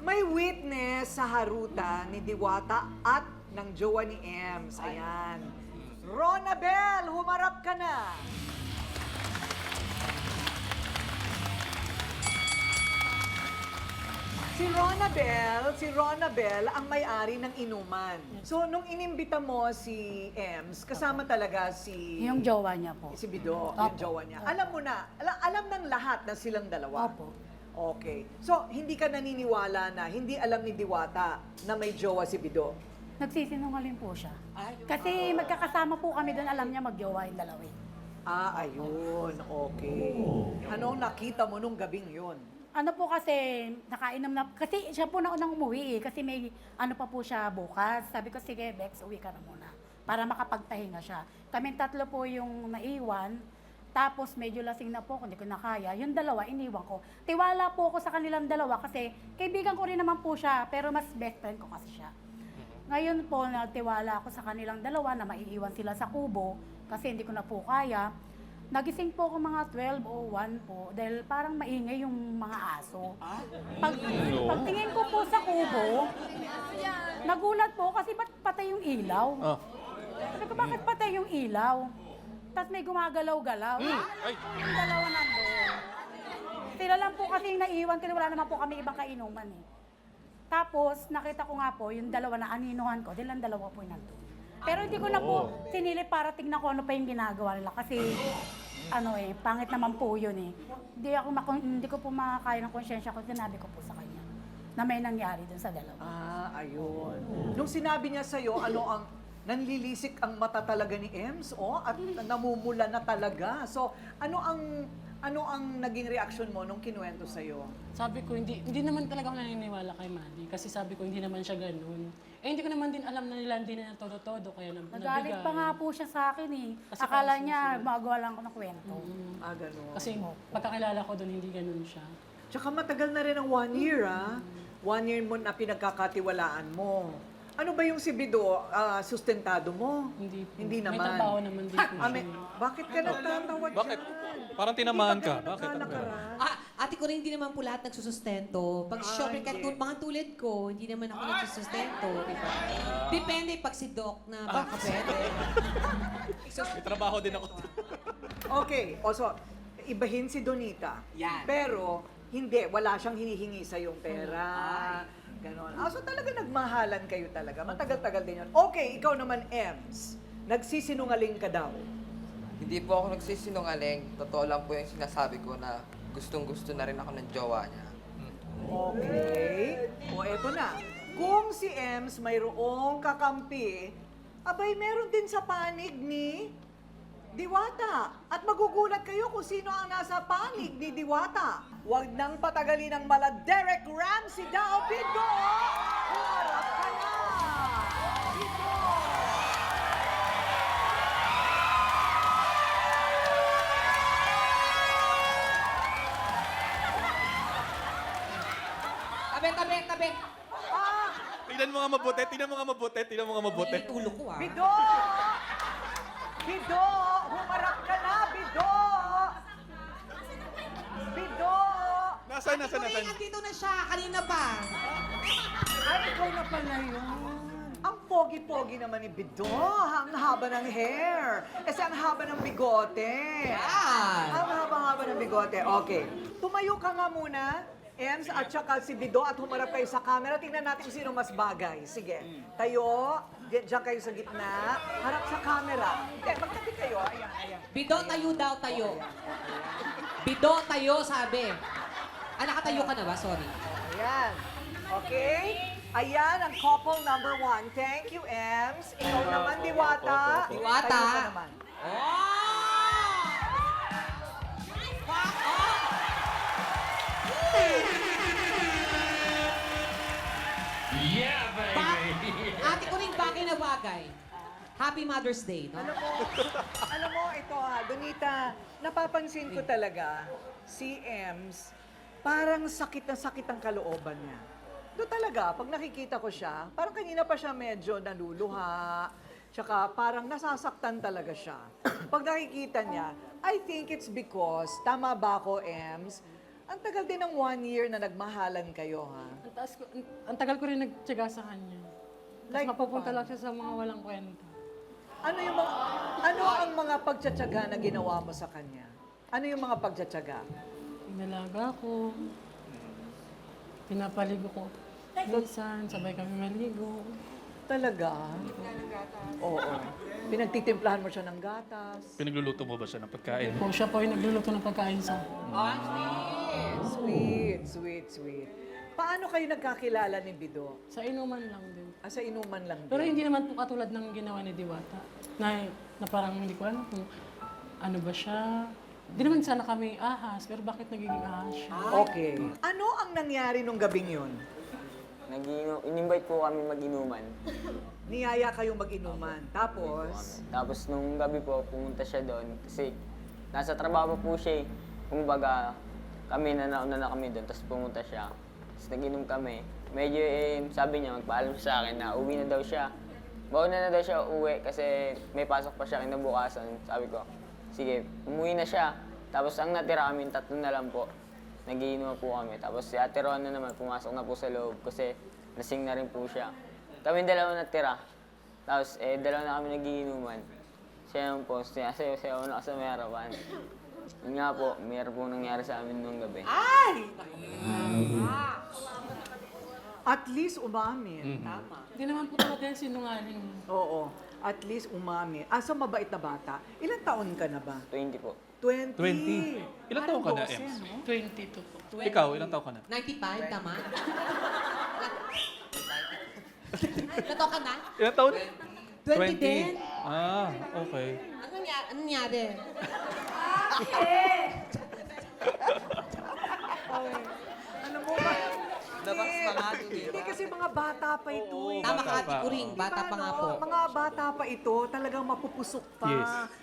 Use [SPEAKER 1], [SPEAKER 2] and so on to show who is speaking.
[SPEAKER 1] May witness sa harutan ni Diwata at ng jowa ni Ems. Ayan. Ronabel, humarap ka na. Si Ronabel ang may-ari ng inuman. So, nung inimbita mo si Ems, kasama talaga si...
[SPEAKER 2] Yung jowa niya po.
[SPEAKER 1] Si Bido, yung
[SPEAKER 2] Opo.
[SPEAKER 1] jowa niya. Alam mo na, alam ng lahat na silang dalawa.
[SPEAKER 2] Opo.
[SPEAKER 1] Okay. So, hindi ka naniniwala na hindi alam ni Diwata na may jowa si Bido?
[SPEAKER 2] Nagsisinungaling po siya. Kasi magkakasama po kami doon, alam niya magjowa yung dalawa.
[SPEAKER 1] Ah, ayun. Okay. Anong nakita mo nung gabing yun?
[SPEAKER 2] Ano po kasi, nakainom na, kasi siya po na unang umuwi kasi may ano pa po siya bukas. Sabi ko, sige Bex, uwi ka na muna para makapagtahinga siya. Kaming tatlo po yung naiwan, tapos medyo lasing na po, hindi ko na kaya. Yung dalawa, iniwan ko. Tiwala po ako sa kanilang dalawa kasi kaibigan ko rin naman po siya, pero mas best friend ko kasi siya. Ngayon po, nagtiwala ako sa kanilang dalawa na maiiwan sila sa kubo kasi hindi ko na po kaya. Nagising po ako mga 12 o 1 po dahil parang maingay yung mga aso. Pagtingin ko po sa kubo, nagulat po kasi ba't patay yung ilaw? Sabi ko, bakit patay yung ilaw? Tapos may gumagalaw-galaw. Yung dalawa nandun. Sila lang po kasi yung naiwan kasi wala naman po kami ibang kainuman eh. Tapos nakita ko nga po yung dalawa na aninuhan ko, dahil ang dalawa po yung nandun. Pero hindi ko na po sinilip para tingnan ko ano pa yung ginagawa nila kasi ano eh, pangit naman po yun eh. Hindi ko po makakaya ng konsyensya ko, sinabi ko po sa kanya na may nangyari dun sa dalawa.
[SPEAKER 1] Ah, ayun. Nung sinabi niya sa'yo, ano ang nanlilisik ang mata talaga ni Ems, at namumula na talaga. So, ano ang naging reaksyon mo nung kinuwento sa'yo?
[SPEAKER 3] Sabi ko, hindi naman talaga ako naniniwala kay Manny. Kasi sabi ko, hindi naman siya ganun. Eh, hindi ko naman din alam na nila hindi na todo-todo, kaya
[SPEAKER 2] Nagalit pa nga po siya sa akin eh.
[SPEAKER 3] Kasi
[SPEAKER 2] Akala
[SPEAKER 3] parang
[SPEAKER 2] niya, magawa lang ako ng kwento.
[SPEAKER 1] Ah, ganun.
[SPEAKER 3] Kasi pagkakilala ko doon, hindi ganun siya.
[SPEAKER 1] Tsaka matagal na rin ang 1 year, 1 year mo na pinagkakatiwalaan mo. Ano ba yung si Bido, sustentado mo?
[SPEAKER 3] Hindi po.
[SPEAKER 1] Hindi naman.
[SPEAKER 3] May trabaho naman din po siya.
[SPEAKER 1] Bakit ka nagtatawa dyan?
[SPEAKER 4] Bakit? Parang tinamaan
[SPEAKER 1] Hindi ba
[SPEAKER 4] ka.
[SPEAKER 1] kayo
[SPEAKER 4] Bakit?
[SPEAKER 1] nagkanakaraan?
[SPEAKER 5] Ate ko rin hindi naman po lahat nagsusustento. Pag syempre, mga tulad ko, hindi naman ako nagsusustento. Diba? Depende pag si Doc na baka pwede.
[SPEAKER 4] May trabaho din ako.
[SPEAKER 1] Okay, so, ibahin si Donita.
[SPEAKER 5] Yan.
[SPEAKER 1] Pero, hindi, wala siyang hinihingi sa yung pera. Ganon. So talaga nagmahalan kayo talaga. Matagal-tagal din yun. Okay, ikaw naman, Ems. Nagsisinungaling ka daw.
[SPEAKER 6] Hindi po ako nagsisinungaling. Totoo lang po yung sinasabi ko na gustong-gusto na rin ako ng jowa niya.
[SPEAKER 1] Okay. O eto na. Kung si Ems mayroong kakampi, abay meron din sa panig ni Diwata. At magugulat kayo kung sino ang nasa panig ni Diwata. Huwag nang patagalin ang mala Derek Ramsey daw, Bido! Harap ka na! Bido!
[SPEAKER 5] Tabi.
[SPEAKER 4] Tingnan mo nga mabuti, tingnan mo nga mabuti, tingnan mo nga mabuti.
[SPEAKER 5] Tulog ko
[SPEAKER 1] Bido! Bido! Humarap ka na, Bido! Bido!
[SPEAKER 4] Nasaan?
[SPEAKER 5] Andito na siya, kanina pa.
[SPEAKER 1] Ay, ikaw na pala yun. Ang pogi-pogi naman ni Bido. Ang haba ng hair. Kasi ang haba ng bigote.
[SPEAKER 5] Yan.
[SPEAKER 1] Ang haba-haba ng bigote. Okay. Tumayo ka nga muna, Ems, at saka si Bido, at humarap kayo sa camera. Tingnan natin kung sino mas bagay. Sige. Tayo. Diyan kayo sa gitna. Harap sa camera. Magtabi kayo. Ayan.
[SPEAKER 5] Bido, tayo daw, tayo. Bido, tayo, sabi. Nakatayo ka na ba? Sorry.
[SPEAKER 1] Ayan. Okay? Ayan ang couple number 1. Thank you, Ems. Ikaw naman, Diwata.
[SPEAKER 5] Diwata.
[SPEAKER 1] Tayo ka naman.
[SPEAKER 5] Oh! Fuck off!
[SPEAKER 7] Yeah, baby!
[SPEAKER 5] Ate ko rin bagay na bagay. Happy Mother's Day, no?
[SPEAKER 1] Alam mo, ito Donita, napapansin ko talaga, si Ems, parang sakit na sakit ang kalooban niya. Doon talaga, pag nakikita ko siya, parang kanina pa siya medyo naluluha, tsaka parang nasasaktan talaga siya. Pag nakikita niya, I think it's because, tama ba ako, Ems? Ang tagal din ng 1 year na nagmahalan kayo, ha?
[SPEAKER 3] Ang tagal ko rin nagtyaga sa kanya. Tapos
[SPEAKER 1] Like
[SPEAKER 3] mapupunta
[SPEAKER 1] paano?
[SPEAKER 3] lang siya sa mga walang kwenta.
[SPEAKER 1] Ano ang mga pagtsatsaga na ginawa mo sa kanya? Ano yung mga pagtsatsaga?
[SPEAKER 3] Inalaga ko. Pinapaligo ko. Minsan, sabay kami maligo.
[SPEAKER 1] Talaga? Oo. Pinagtitimplahan mo siya ng gatas.
[SPEAKER 4] Pinagluluto mo ba siya ng pagkain?
[SPEAKER 3] Po, siya po yung nagluluto ng pagkain sa
[SPEAKER 1] Sweet, sweet, sweet. Paano kayo nagkakilala ni Bido?
[SPEAKER 3] Sa inuman lang din.
[SPEAKER 1] Sa inuman lang din.
[SPEAKER 3] Pero hindi naman po katulad ng ginawa ni Diwata. Na parang hindi ko alam kung ano ba siya. Hindi naman sana kami ahas, pero bakit nagiging ahas siya?
[SPEAKER 1] Okay. Ano ang nangyari nung gabing yun?
[SPEAKER 8] In-invite po kami mag-inuman.
[SPEAKER 1] Niyaya kayong mag-inuman. Tapos,
[SPEAKER 8] Tapos nung gabi po, pumunta siya doon kasi nasa trabaho po siya eh. Kumbaga, kami nauna na kami doon, tapos pumunta siya. Tapos nag-inom kami. Medyo sabi niya, magpaalam siya sa akin na uwi na daw siya. Bauna na daw siya uwi kasi may pasok pa siya kinabukasan. Sabi ko, sige, umuwi na siya. Tapos ang natira kami, 3 na lang po. Nagiinom po kami. Tapos si Ate Rona naman, pumasok na po sa loob kasi lasing na rin po siya. Kami dalawa natira. Tapos dalawa na kami nagiinuman. Siya yung po, sayaw na sa may harapan. Yun nga po, mayroon po nangyari sa amin nung gabi.
[SPEAKER 1] at least umamin. Tama.
[SPEAKER 3] Hindi naman po talaga yung sinungaling.
[SPEAKER 1] Oo. At least umamin. Asa mabait na bata. Ilang taon ka na ba?
[SPEAKER 8] 20 po.
[SPEAKER 1] 20.
[SPEAKER 4] 20. Ilang taon ka na,
[SPEAKER 1] Parang
[SPEAKER 4] Ems?
[SPEAKER 1] 12, no?
[SPEAKER 3] 22 po.
[SPEAKER 4] Ikaw, ilang taon ka na?
[SPEAKER 5] 95, tama? Nato ka na?
[SPEAKER 4] Ilang taon?
[SPEAKER 5] 20 din?
[SPEAKER 4] Ah, okay.
[SPEAKER 5] Ano nangyari?
[SPEAKER 1] Ano mo ba?
[SPEAKER 6] Dapat
[SPEAKER 1] Hindi.
[SPEAKER 6] mga ado, di
[SPEAKER 1] Hindi
[SPEAKER 6] ba?
[SPEAKER 1] kasi mga bata pa ito eh.
[SPEAKER 5] Tama
[SPEAKER 4] Bata
[SPEAKER 5] ka, Ate
[SPEAKER 4] pa,
[SPEAKER 5] Kuring. Bata pa nga po.
[SPEAKER 1] Mga bata pa ito, talagang mapupusok pa.
[SPEAKER 4] Yes.